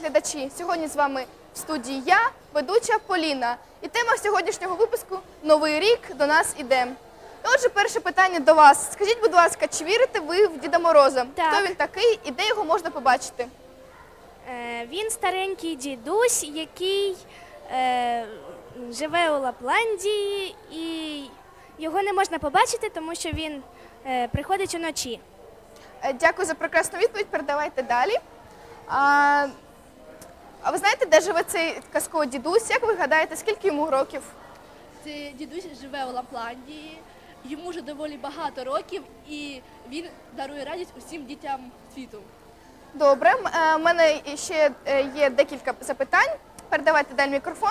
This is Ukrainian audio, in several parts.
телеглядачі! Сьогодні з вами в студії я, ведуча Поліна. І тема сьогоднішнього випуску «Новий рік до нас іде». І отже, перше питання до вас. Скажіть, будь ласка, чи вірите ви в Діда Мороза? Так. Хто він такий і де його можна побачити? Він старенький дідусь, який живе у Лапландії, і його не можна побачити, тому що він приходить уночі. Дякую за прекрасну відповідь. Передавайте далі. А ви знаєте, де живе цей казковий дідусь? Як ви гадаєте, скільки йому років? Цей дідусь живе у Лапландії, йому вже доволі багато років, і він дарує радість усім дітям світу. Добре, у мене ще є декілька запитань. Передавайте далі мікрофон.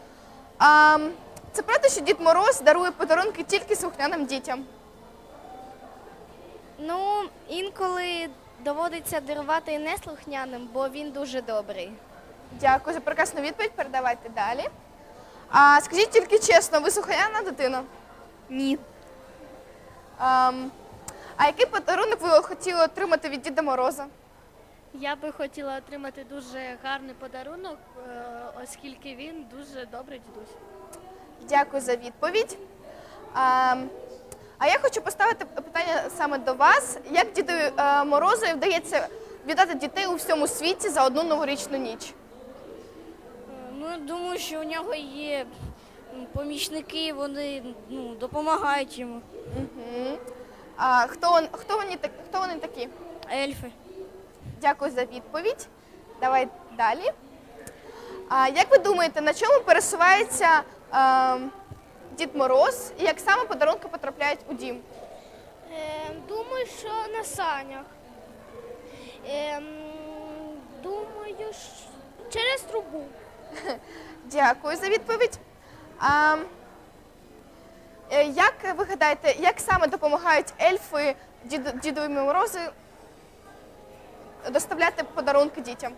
Це правда, що Дід Мороз дарує подарунки тільки слухняним дітям? Ну, інколи доводиться дарувати і неслухняним, бо він дуже добрий. Дякую за прекрасну відповідь. Передавайте далі. Скажіть тільки чесно, ви слухняна дитина? Ні. А який подарунок ви хотіли отримати від Діда Мороза? Я би хотіла отримати дуже гарний подарунок, оскільки він дуже добрий дідусь. Дякую за відповідь. А я хочу поставити питання саме до вас. Як Діду Морозу вдається вітати дітей у всьому світі за одну новорічну ніч? Ну, думаю, що у нього є помічники, вони допомагають йому. Угу. Хто вони такі? Ельфи. Дякую за відповідь. Давай далі. Як ви думаєте, на чому пересувається Дід Мороз і як саме подарунки потрапляють у дім? Думаю, що на санях. Думаю, що через трубу. Дякую за відповідь. Як ви гадаєте, як саме допомагають ельфи Дідові Морозу доставляти подарунки дітям?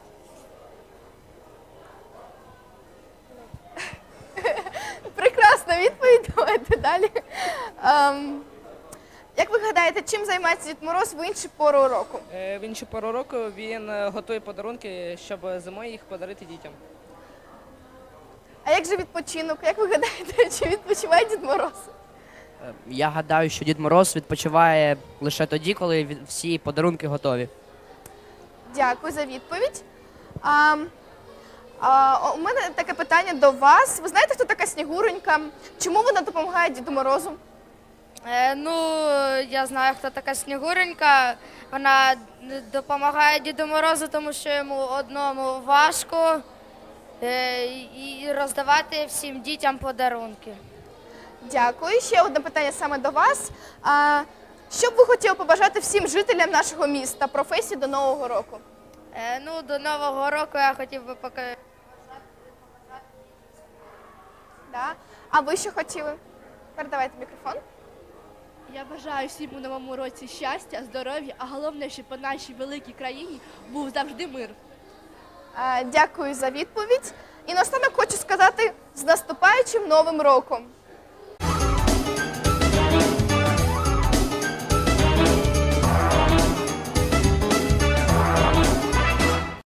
Прекрасна відповідь, давайте далі. Як ви гадаєте, чим займається Дід Мороз в іншу пору року? В іншу пору року він готує подарунки, щоб зимою їх подарити дітям. А як же відпочинок? Як ви гадаєте, чи відпочиває Дід Мороз? Я гадаю, що Дід Мороз відпочиває лише тоді, коли всі подарунки готові. Дякую за відповідь. У мене таке питання до вас. Ви знаєте, хто така Снігуренька? Чому вона допомагає Діду Морозу? Я знаю, хто така Снігуренька. Вона допомагає Діду Морозу, тому що йому одному важко і роздавати всім дітям подарунки. Дякую. Ще одне питання саме до вас. Що б ви хотіли побажати всім жителям нашого міста, професії до Нового року? До Нового року я хотів би показати. Да. А ви що хотіли? Передавайте мікрофон. Я бажаю всім у новому році щастя, здоров'я, а головне, щоб по нашій великій країні був завжди мир. Дякую за відповідь. І наостанок хочу сказати з наступаючим Новим роком!